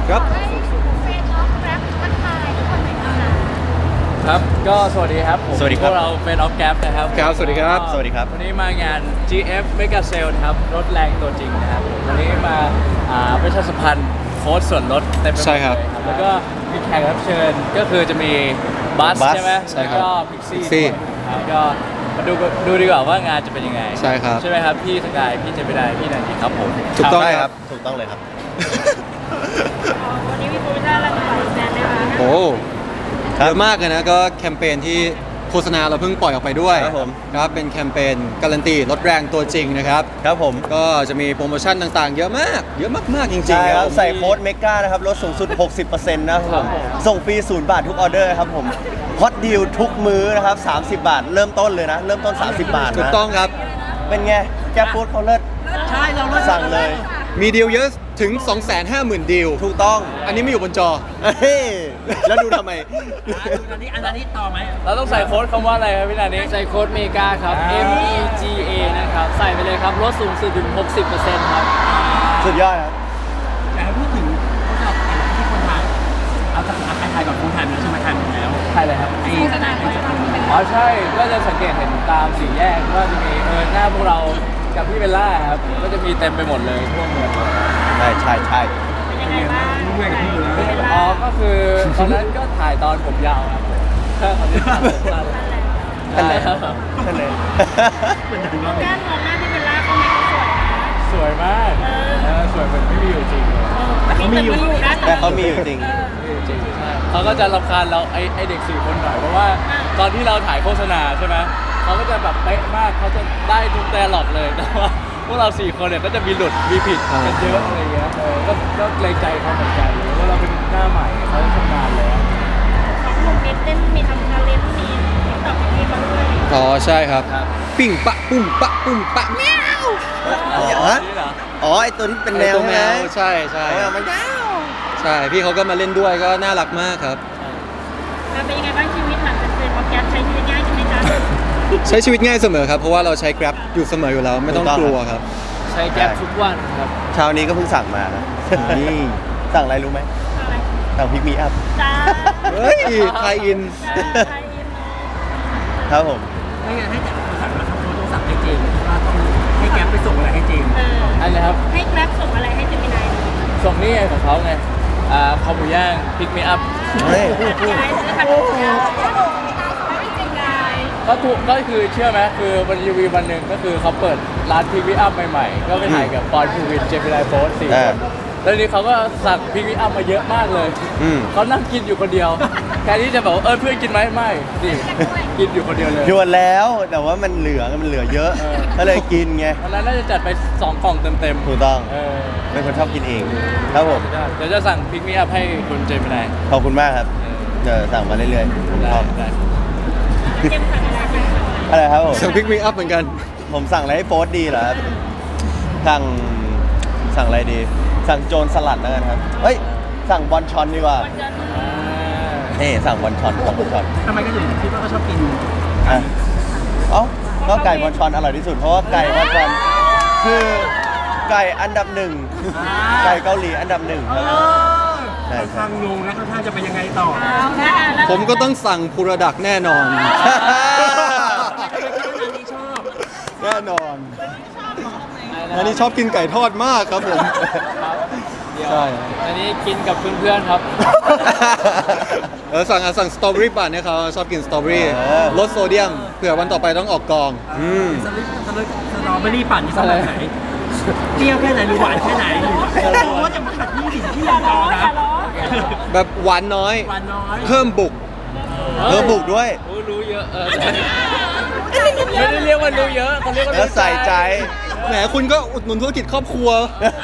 ครับครับก็สวัสดีครับผมสวัสดีครับพวกเราเป็นออฟแกรนะครับครับสวัสดีครับสวัสดีครับวันนี้มางาน GF Mega Sale นะครับรถแรงตัวจริงนะครับวันนี้มาประชาสัมพันธ์โค้ดส่วนลดเต็มไปหมดใช่ครับเลยแล้วก็มีแขกรับเชิญก็คือจะมีบัสบัสใช่ไหมใช่ครับแล้วก็พิกซี่ Pixie ครับก็มาดูดีกว่าว่างานจะเป็นยังไงใช่ครับใช่ไหมครับพี่สกายพี่เจมินายพี่นันทีครับผมถูกต้องได้คครัรับ บ ถูกต้องเลยครับวันนี้มีโปรโมชั่นอะไรมาฝากแฟนไหมคะโอ้ครับเยอะมากเลยนะก็แคมเปญที่โฆษณาเราเพิ่งปล่อยออกไปด้วยครับผมครับเป็นแคมเปญการันตีรถแรงตัวจริงนะครับครับผมก็จะมีโปรโมชั่นต่างๆ เยอะมาก เยอะมากๆจริงใช่ๆคครัรับบ ใส่โค้ดเมกานะครับลดสูงสุด 60%นะครับผมส่งฟรี0 บาททุกออเดอร์ครับผมฮอตดีลทุกมื้อนะครับ 30 บาท เริ่มต้นเลยนะ เริ่มต้น 30 บาทถูกนะต้องครับเป็นไง แก้ฟูดเขาเลิศใช่เราสั่งเลยมีดีลเยอะถึง 250,000 ดีลถูกต้องอันนี้ไม่อยู่บนจอเฮ้ยแล้วดูทำไมอันนี้ต่อไหมเราต้องใส่โค้ดคำว่าอะไรครับพี่นันนี้ใส่โค้ดเมกาครับ MEGA นะครับ ใส่ไปเลยครับลดสูงสุดถึง 60%ครับสุดยอดครับแต่พูดถึงพวกเราที่คนถ่ายเอาจากถ่ายก่อนคนถ่ายมันใช่ไหมถ่ายหมดแล้วใช่เลยครับไอ้สนามเป็นอ๋อใช่ ก็จะสังเกตเห็นตามสี่แยกก็จะมีหน้าพวกเรากับพี่เบลล่าครับ ก็จะมีเต็มไปหมดเลยทั่วเมืองใช่ใช่ใช่เป็นยังไงบ้างเป็นอ๋อ ก็คือตอนนั้นก็ถ่ายตอนผมยาวครับถ้าตอนนี้ตัดผมสั้นนั่นแหละใช่ครับนั่นเลยแก้มมองหน้าที่เป็นล่าเขาไม่เขาสวยนะสวยมากสวยเหมือนไม่มีอยู่จริงเลยแต่เขามีอยู่นะแต่เขามีอยู่จริงไม่มีอยู่จริงใช่เขาก็จะรำคาญเราไอเด็กสี่คนหน่อยเพราะว่าตอนที่เราถ่ายโฆษณาใช่ไหมเขาก็จะแบบเป๊ะมากเขาจะได้ทุกแต่หลอกเลยแต่ว่าพวกเราสี่คนเนี่ยก็จะมีหลุดมีผิดกันเยอะอะไรเงี้ยก็เกรงใจเขาเหมือนกันเพราะเราเป็นหน้าใหม่เขาชำนาญแล้วสองหนุ่มมีเต้นมีทำทาเลนต์มีตอบมีเขาด้วยอ๋อใช่ครับครับปิ่งปะปุ้มปะปุ้มปะแมวฮะนี่เหรออ๋อ ไอตัวที่เป็นแมวตัวแมนะวใช่ใช่เอามันยาวใช่พี่เขาก็มาเล่นด้วยก็น่ารักมากครับเป็นยังไงบ้างชีวิตหลังจากเป็นออฟแกรใช้ชีวิตง่ายขึ้นไหมจ๊ะใช้ชีวิตง่ายเสมอครับ เพราะว่าเราใช้ Grab อยู่เสมออยู่แล้ว ไม่ต้องกลัวครับใช้แก๊ปทุกวันครับเช้านี้ก็เพิ่งสั่งมานะนี่สั่งอะไรรู้ไหมอะไรสั่งพิกมีอัพจ้าเฮ้ยไทยอินจ้าไทยอินครับผมไม่งั้นให้แต่สั่งแล้วครับต้องสั่งให้เจมส์ว่าต้องให้แก๊ปไปส่งอะไรให้เจมส์อันนี้ครับให้แกร็บส่งอะไรให้เจมินายส่งนี่ไงของเขาไงคอหมูย่างพิกมีอัพเฮ้ยยายซื้อขนมยายไม่จริงยายก็คือเชื่อไหมคือวันรีวิววันหนึ่งก็คือเขาเปิดร้านพิกมีอัพใหม่ๆ ก็ไปถ่ายกับปอนภูวินเจมินายโฟสสี่คนแล้วทีนี้เขาก็สั่งพิกมีอัพมาเยอะมากเลยอืมเขานั่งกินอยู่คนเดียวแทนที่จะบอกว่าเพื่อนกินไหมไม่นี่กินอยู่คนเดียวเลยยวนแล้วแต่ว่ามันเหลือเยอะ ก็เลยกินไงวันนั้นน่าจะจัดไป2กล่องเต็มถูกต้องๆเป็นคนชอบกินเอง ครับผมเดี๋ยวจะสั่งพิกมีอัพให้คุณเจมินายขอบคุณมากครับ เดี๋ยวสั่งมาเรื่อยๆผมชได้อบได้เจมสั่งอะไรไปอะไรครับผมสั่งพิกมีอัพเหมือนกันผมสั่งอะไรให้โฟสดีเหรอครับ สั่งอะไรดี สั่งโจรสลัดแล้วกันครับ เฮ้ย สั่งบอลชอนดีกว่านี่สั่งบอลชอนสั่งบอลชอนทำไมก็ถึงคิดว่าเขาชอบกินอ่ะเอ้าก็ไก่บอลชอนอร่อยที่สุดเพราะว่าไก่บอลชอนคือไก่อันดับหนึ่งไก่เกาหลีอันดับหนึ่งครับใช่ค่อนใช่ข้างงงนะค่อนข้างจะเป็นยังไงต่อเอาละแล้วผมก็ต้องสั่งพูรดักแน่นอน แน่นอนอันนี้ชอบกินไก่ทอดมากครับผมเดี๋ยวใช่อันนี้กินกับเพื่อนๆครับสั่งสตรอเบอรี่ปั่นเนี่ยเขาชอบกินสตรอเบอรี่เออลดโซเดียมเผื่อวันต่อไปต้องออกกองสตรอเบอรี่ปั่นนี่สำหรับไหนเปรี้ยวแค่ไหนหรือหวานแค่ไหนโอ้จะมาขัดยี่สิบที่ยังรอนะแบบหวานน้อยหวานน้อยเพิ่มบุกบุกด้วยรู้เยอะไม่ได้เรียกว่ารู้เยอะเขาเรียกว่าแล้วใส่ใจแหมคุณก็อุดหนุนธุรกิจครอบครัว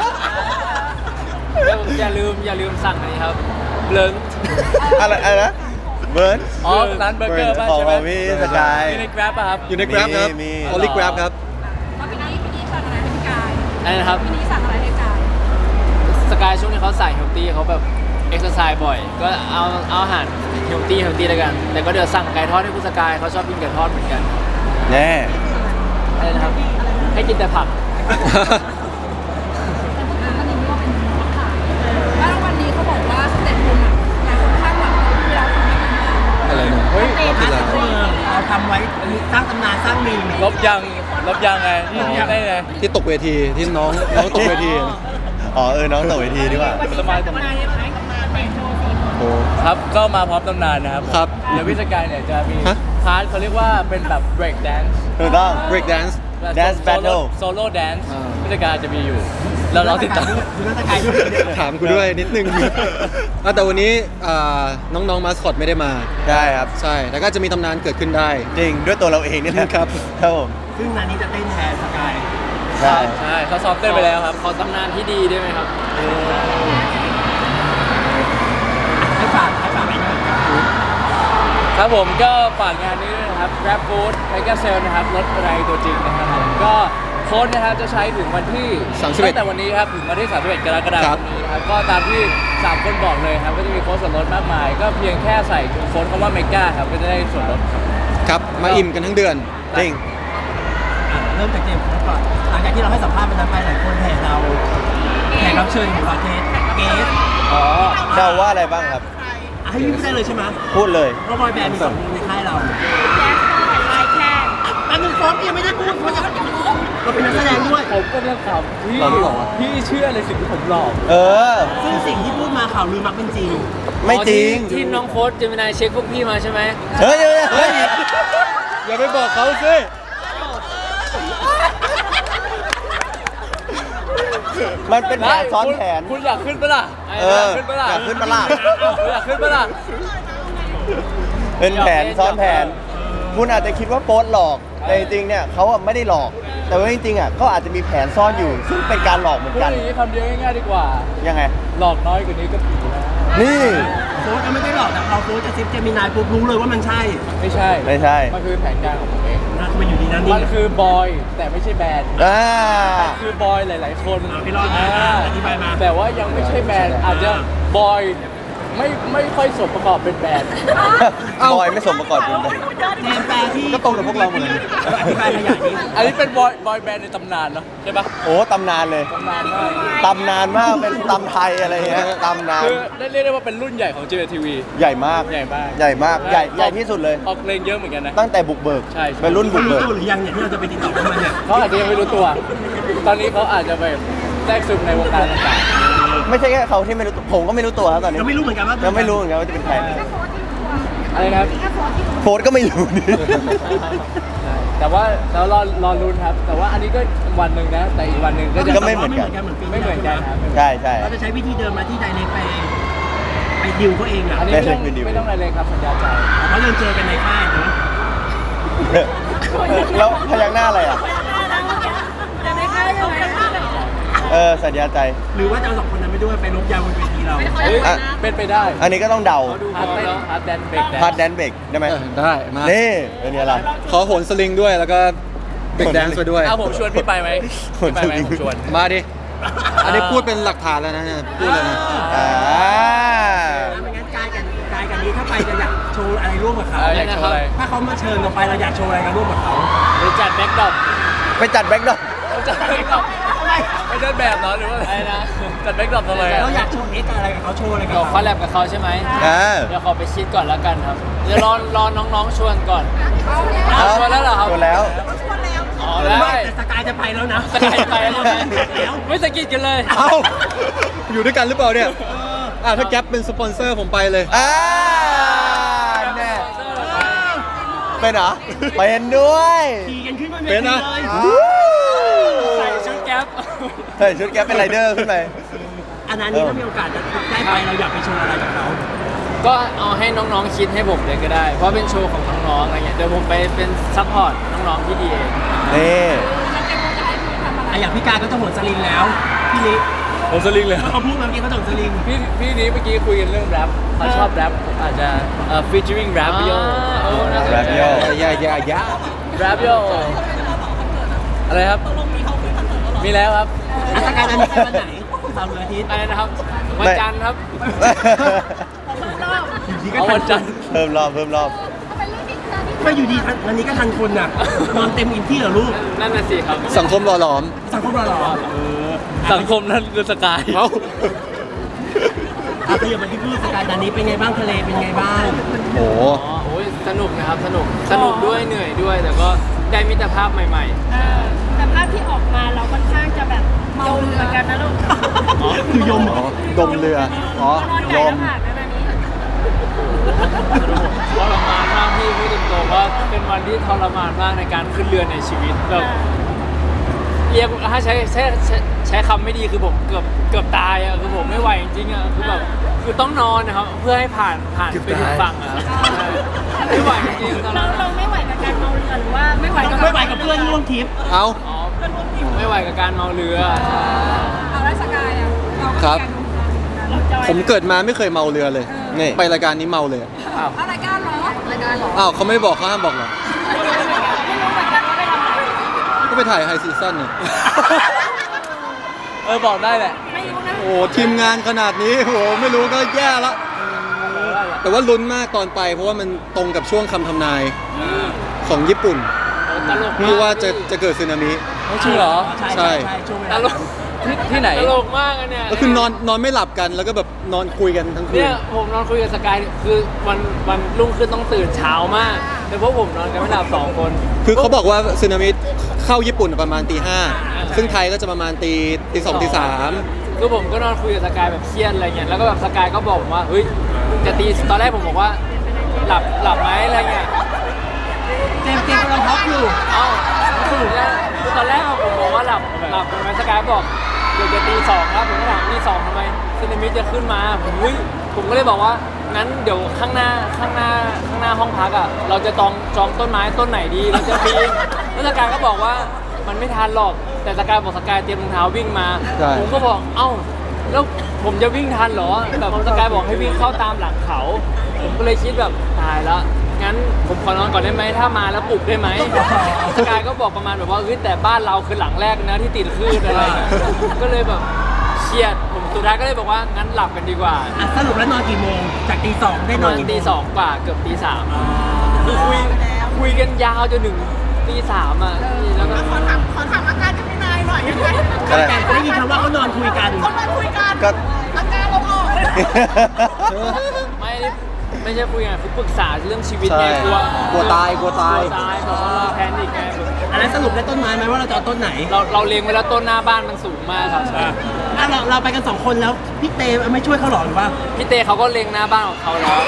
อย่าลืมสั่งอันนี้ครับเบลนอะไรนะ เบิร์นอ๋อร้านเบอร์เกอร์ป่ะของใช่ไหมพี่สกายมีในแกร็บป่ะครับอยู่ใน Grab ครับมีออลิ Grab ครับพี่นี่สั่งอะไรให้พี่กายอันนี้นะครับพี่นี่สั่งอะไรให้กายสกายช่วงนี้เขาใส่เฮลตี้เขาแบบเอ็กซ์ไซส์บ่อย ก็เอาอาหารเฮลตี้แล้วกัน แต่ก็เดี๋ยวสั่งไก่ทอดให้คุณสกายเขาชอบกินไก่ทอดเหมือนกันแน่อะไรนะครับ ให้กินแต่ผักแล้ววันนี้เขาบอกรับยังไงได้ไงที่ตกเวทีที่น้องตกเวทีอ๋อน้องตกเวทีดีกว่าสบายกำลังยังไงกำลังแต่งโชว์สี่คนโอ้ครับก็มาพร้อมตำนานนะครับครับเดี๋ยวพี่สกายเนี่ยจะมีฮะพาร์ทเขาเรียกว่าเป็นแบบ break dance ถูกต้อง break dance Dance battle solo dance อ่าพี่สกายจะมีอยู่แล้วเราติดตามถามกูด้วยนิดนึง แต่วันนี้น้องๆมาสคอตไม่ได้มาใช่ครับใช่แล้วก็จะมีตำนานเกิดขึ้นได้จริงด้วยตัวเราเองนี่แหละครับครับผมซึ่งงานนี้จะเต้นแทนสกายใช่ใช่เขาซ้อมเต้นไปแล้วครับขอตำนานที่ดีได้ไหมครับให้ฝากไปด้วยครับผมก็ฝากงานนี้ด้วยนะครับ Grab Food Mega Sale นะครับรถอะไรตัวจริงนะครับผมก็โค้ดนะครับจะใช้ถึงวันที่ 31 ตั้งแต่วันนี้ครับถึงวันที่ 31 กรกฎาคมนี้นะครับก็ตามที่ 3 คนบอกเลยครับก็จะมีโค้ดส่วนลดมากมาย ก็เพียงแค่ใส่โค้ดคำว่า Mega ครับก็จะได้ส่วนลดครับครับมาอิ่มกันทั้งเดือนจริงเริ่มจากเจมส์ก่อนหลังจากที่เราให้สัมภาษณ์ไปนั้นไปหลายคนแห่เราแขกรับเชิญของเราเกสอ๋อเดาว่าอะไรบ้างครับให้พี่พูดได้เลยใช่ไหมพูดเลยเพราะบอยแบนด์มี2วงในค่ายเราแจ๊สไลแค่แป๊บนึงโฟมยังไม่ได้พูดเราเป็นนักแสดงด้วยผมก็เรื่องขำพี่เราไม่บอกว่าพี่เชื่อในสิ่งที่ผมหลอกเออซึ่งสิ่งที่พูดมาข่าวลือมักเป็นจริงไม่จริงที่น้องโค้ชเจมินายเช็คพวกพี่มาใช่ไหมเฮ้ยเฮ้ยอย่าไปบอกเขาสิมันเป็นแผนซ้อนแผนคุณอยากขึ้นปะล่ะเออขึ้นปะล่ะอยากขึ้นปะล่ะอยากขึ้นปะล่ะเป็นแผนซ้อนแผน คุณอาจจะคิดว่าโป๊ตหลอก แต่จริงๆ เนี่ยเขาอะไม่ได้หลอก แต่ว่าจริงๆ อ่ะก็อาจจะมีแผนซ่อนอยู่ ซึ่งเป็นการหลอกเหมือนพูดกันอย่างนี้คำเดียวง่ายๆดีกว่ายังไงหลอกน้อยกว่านี้ก็ผีแล้วนี่โฟสก็ไม่ได้หรอกแต่พอโฟสจะซิปเจมินายปุ๊บรู้เลยว่ามันใช่ไม่ใช่ไม่ใช่มันคือแผนการของผมเองนะมันอยู่ดีนะนี่มันคือบอยแต่ไม่ใช่แบนด์อ่าคือบอยหลาย ๆ คนพี่รอดอธิบายมาแต่ว่ายังไม่ใช่แบนด์อาจจะบอยไม่ค่อยสมประกอบเป็นแบนด์บอยไม่สมประกอบเป็นแบบเจมส์แปลที่ก็ตรงกับพวกเราหมดเลยอธิบายขยายนี้อันนี้เป็นบอยแบนด์ในตำนานเนาะใช่ปะโอ้ตำนานเลยตำนานมากตำนานมาก เป็นตำไทยอะไรเงี้ยตำนานคือได้เรียกได้ว่าเป็นรุ่นใหญ่ของ JTV ใหญ่มากใหญ่มากใหญ่มาก ใหญ่ที่สุดเลยออกเพลงเยอะเหมือนกันนะตั้งแต่บุกเบิกใช่เป็นรุ่นบุกรู้เบิกตัวหรือยังเนี่ยที่เราจะไปติดต่อเขามาเนี่ยเขาอาจจะยังไม่รู้ตัว ตอนนี้เขาอาจจะแบบแทรกซึมในวงการต่างไม่ใช่แค่เขาที่ไม่รู้ตัวผมก็ไม่รู้ตัวครับตอนนี้ยังไม่รู้เหมือนกันว่ายังไม่รู้เหมือนกันว่าจะเป็นใครๆอะไรนะครับโฟร์ก็ไม่รู้นี่แต่ว่าเรารอลุ้นครับ แต่ว่าอันนี้ก็วันหนึ่งนะ แต่อีกวันหนึ่งก็จะก็ไม่เหมือนกันไม่เหมือนกันครับใช่ใช่เราจะใช้วิธีเดิมมาที่ไดเรกไปดิวเขาเองอ่ะอันนี้ไม่ต้องอะไรเลยครับสัญญาใจเพราะยังเจอกันในค่ายเนาะแล้วพยักหน้าอะไรอ่ะจะไม่ค่ายใช่ไหมสัญญาใจหรือว่าจะเอา2 คนนั้นไปด้วยไปลบยาวบนเวทีเราเฮ้ยอ่ะเป็นไปได้อันนี้ก็ต้องเดาเขาดูพาร์ทเขาเต้นแล้วพาร์ทแดนเบรกแดนพาร์ทแดนเบรกได้ไหมได้มานี่เป็นไงล่ะขอโหนสลิงด้วยแล้วก็เบรกแดนซ์ไปด้วยเอาผมชวนพี่ไปไหมพี่ไปไหมผมชวนมาดิ อันนี้พูดเป็นหลักฐานแล้วนะเนี่ยพูดเลยนะอ่าไม่งั้นกายกันนี้ถ้าไปจะอยากโชว์อะไรร่วมกับเขาอยากโชว์อะไรถ้าเขามาเชิญเราไปเราอยากโชว์อะไรกันร่วมกับเขาหรือจัดแบ็คดรอปไปจัดแบ็คดรอปจัดแบ็กดรอปไปเดินแบบเหรอหรือว่าอะไรนะจัดแบ็กดรอปทำไมเราอะอยากโชว์เอ็กซ์อะไรกับเขาโชว์อะไรกับเดี๋ยวเขาคอลแลบกับเขาใช่ไหมอ่าเดี๋ยวขอไปคิดก่อนแล้วกันครับ เดี๋ยวรอน้องๆชวนก่อนเอาชวนแล้วเหรอครับชวนแล้วอ๋อไม่ได้แต่สกายจะไปแล้วนะสกายไปแล้วนะไม่สะกิดกันเลยเอ้า อยู่ด้วยกันหรือเปล่าเนี่ยถ้าแก๊ปเป็นสปอนเซอร์ผมไปเลยอ่าแน่เป็นเหรอเป็นด้วยขี่กันขึ้นบนเวเป็ทีนนะเลยใส่ชุดแก๊ปใส่ชุดแก๊ปเป็นไรเดอร์ขึ้นไปอันนั้นนี่ถ้ามีโอกาสจะได้ไปเราอยากไปโชว์อะไรกับเขาก็เอาให้น้องๆคิดให้ผมเลยก็ได้ เพราะเป็นโชว์ของน้องๆอะไรเงี้ย เดี๋ยวผมไปเป็นซัพพอร์ตน้องๆที่ดีเองนี่อย่างพี่กายก็จะโหนสลิงแล้วพี่ลิผมสลิงเลยเขาพูดเมื่อกี้เขาโหนสลิงพี่นี้เมื่อกี้คุยกันเรื่องแรปเขาชอบแรปผมอาจจะfeaturing rap yo น่าสนแรปใจโยอย่า rap yo อะไรครับ มีแล้วครับสกายจะมีวันไหนเสาร์หรืออาทิตย์อะไรนะครับ วันจันทร์ครับอยู่ดีก็เอาทัวัน นจันทร์เพิ่มรอบเพิ่มรอบไม่อยู่ดีวันนี้ก็ทันคนน่ะนอนเต็มอิ่มที่เหรอลูกนั่นน่ะสิครับสังคมหล่อหลอมสังคมเราเหรอสังคมนั้นคือสกายเอ้าขยับมาที่พูดสกายตอนนี้เป็นไงบ้างทะเลเป็นไงบ้างโหอ๋อโอ้ยสนุกนะครับ สนุกด้วยเหนื่อยด้วย แต่ก็ได้มิตรภาพใหม่แต่ภาพที่ออกมาเราค่อนข้างจะแบบเมาเหมือนกันนะลูกคือยมอ๋อดมเรืออ๋อนอนลไก่มแล้วผ่านนะนี้ๆทรมานมากพี่พูดตรงๆว่าเป็นวันที่ทรมานมากในการขึ้นเรือในชีวิตแบบเรียกถ้าใช้คำไม่ดีคือผมเกือบตายอ่ะคือผมไม่ไหวจริงๆอ่ะคือแบบคือต้องนอนนะครับเพื่อให้ผ่านไปถึงฝั่งอ่ะครับไม่ไหวจริงๆตอนเรานั้นเราไม่ไหวกับการเมาเรือหรือว่าไม่ไหวกับไม่ไหวกับเพื่อนร่วมทริปเอาอ๋อไม่ไหวกับการเมาเรือเอาราชการอ่ะครับเราจอยผมเกิดมาไม่เคยเมาเรือเลยนี่ไปรายการนี้เมาเลยอ้าวเอารายการเหรอรายการเหรออ้าวเขาไม่ได้บอกเขาห้ามบอกเหรอไม่รู้เหมือนกันว่าไปทำอะไรก็ไปถ่ายไฮซีซั่นเนี่ยบอกได้แหละไม่รู้นะโอ้ทีมงานขนาดนี้โอ้ไม่รู้ก็แย่ละแต่ว่าลุ้นมากตอนไป เพราะว่ามันตรงกับช่วงคำทำนายของญี่ปุ่นตลกมากที่ว่าจะเกิดสึนามิจริงเหรอใช่ช่วงเวตลาลกที่ไหนตลกมากอันเนี่ยก็คือนอนไม่หลับกันแล้วก็แบบนอนคุยกันทั้งคืนเนี่ยผมนอนคุยกับสกายคือวันรุ่งขึ้นต้องตื่นเช้ามากแต่พวกผมนอนกันไม่หลับ2 คนคือเขาบอกว่าสึนามิเข้าญี่ปุ่นประมาณตี 5ซึ่งไทยก็จะประมาณตี 2ตี 3 คือผมก็นอนคุยกับสกายแบบเครียดอะไรเงี้ยแล้วก็แบบสกายก็บอกผมว่าเฮ้ยจะตีตอนแรกผมบอกว่าหลับไหมอะไรเงี้ยเจมส์กำลังพักอยู่เอ้าคือตอนแรกผมบอกว่าหลับใช่ไหมสกายบอกเดี๋ยวจะตี 2ครับผมก็ถามตี 2ทำไมสึนามิจะขึ้นมาผมก็เลยบอกว่างั้นเดี๋ยวข้างหน้าห้องพักอ่ะเราจะจองต้นไม้ต้นไหนดีเราจะปีนแล้วสกายก็บอกว่ามันไม่ทันหรอกแต่สกายบอกสกายเตรียมรองเท้าวิ่งมาใช่ผมก็บอกเอ้าแล้วผมจะวิ่งทันเหรอแบบสกายบอกให้วิ่งเข้าตามหลังเขา ผมก็เลยคิดแบบตายแล้วงั้นผมขอนอนก่อนได้ไหมถ้ามาแล้วปลุกได้ไหมสกายก็บอกประมาณแบบว่าเฮ้ยแต่บ้านเราคือหลังแรกนะที่ติดคลื่นอะไรเงี้ยก็เลยแบบเครียดผมสุดท้ายก็เลยบอกว่างั้นหลับกันดีกว่าอ่ะสรุปแล้วนอนกี่โมงจากตี 2ได้นนออนนกี่โมตีง 2 กว่าเกือบตี 3คือคุยกันยาวจนถึงตี 3อ่ะแล้วก็ขอถามอาการจะพี่นายหน่อยยังไงแต่ได้ยินคำว่าเขานอนคุยกันเขามาคุยกันก็อาการเราออกไม่ใช่คุยกันคือปรึกษาเรื่องชีวิตไงใช่กลัวกลัวตายแบบว่าเราแพนิคไงอันนั้นสรุปได้ต้นไม้ไหมว่าเราจะเอาต้นไหนเราเล็งไว้แล้วต้นหน้าบ้านมันสูงมากครับอ่ะเราไปกัน2 คนแล้วพี่เตไม่ช่วยเขาหรอหรือว่าพี่เตเขาก็เล็งหน้าบ้านของเขาแล้ว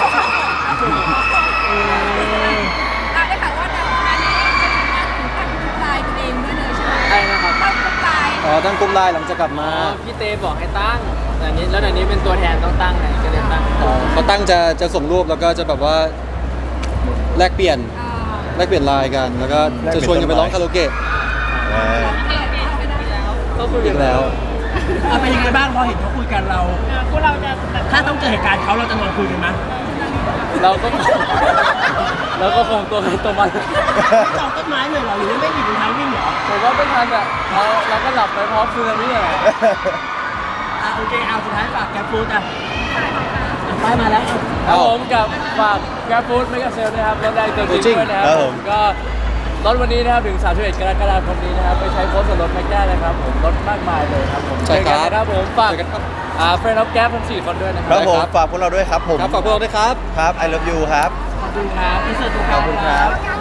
ได้ข่าวว่านั้นนี้จะมีการถึงตั้งลายตัวเองด้วยเลยใช่ไหมใช่นะครับตั้งลายอ๋อตั้งกลุ่มไลน์หลังจากกลับมาพี่เตบอกให้ตั้งแต่นี้แล้วเดี๋ยวนี้เป็นตัวแทนต้องตั้งไงก็เลยตั้งเขาตั้งจะส่งรูปแล้วก็จะแบบว่าแลกเปลี่ยนไลน์กัน แล้วก็จะชวนกันไปร้องคาราโอเกะก็คุยอีกันกแล้วเป็นยังไงบ้างพอเห็นเขาคุยกันเราพวกเราจะแบบถ้าต้องเจอเหตุการณ์เขาเราจะนอนคุยกันไหมเราก็คงตัวใครตัวมันจองต้นไม้เลยเหรอหรือว่าไม่หยิบรองเท้าวิ่งเหรอผมว่าไม่ทันอ่ะเราก็หลับไปพร้อมซึนามิอ่ะอ่ะโอเคเอาสุดท้ายฝากแกฟูดอ่ะไปมาแล้วครับผมกับฝาก Grab Food ไม่กับเซลนะครับรถแรงตัวจริงด้วยนะครับผมก็รถวันนี้นะครับถึง31กรกฎาคมนี้นะครับไปใช้โค้ดส่วนลดแม็กได้นะครับผมลดมากมายเลยครับผมใช่ครับเจอกันนะครับผมฝากเจอกันครับเฟรนด์ออฟแก๊ปทั้ง4 คนด้วยนะคครัรับบ ผมฝากพวกเราด้วยครับผมครับฝากพวกเราด้วยครับครับ I love you ครับขอบคุณครับที่เสิร์ฟทุกขอบคุณครับง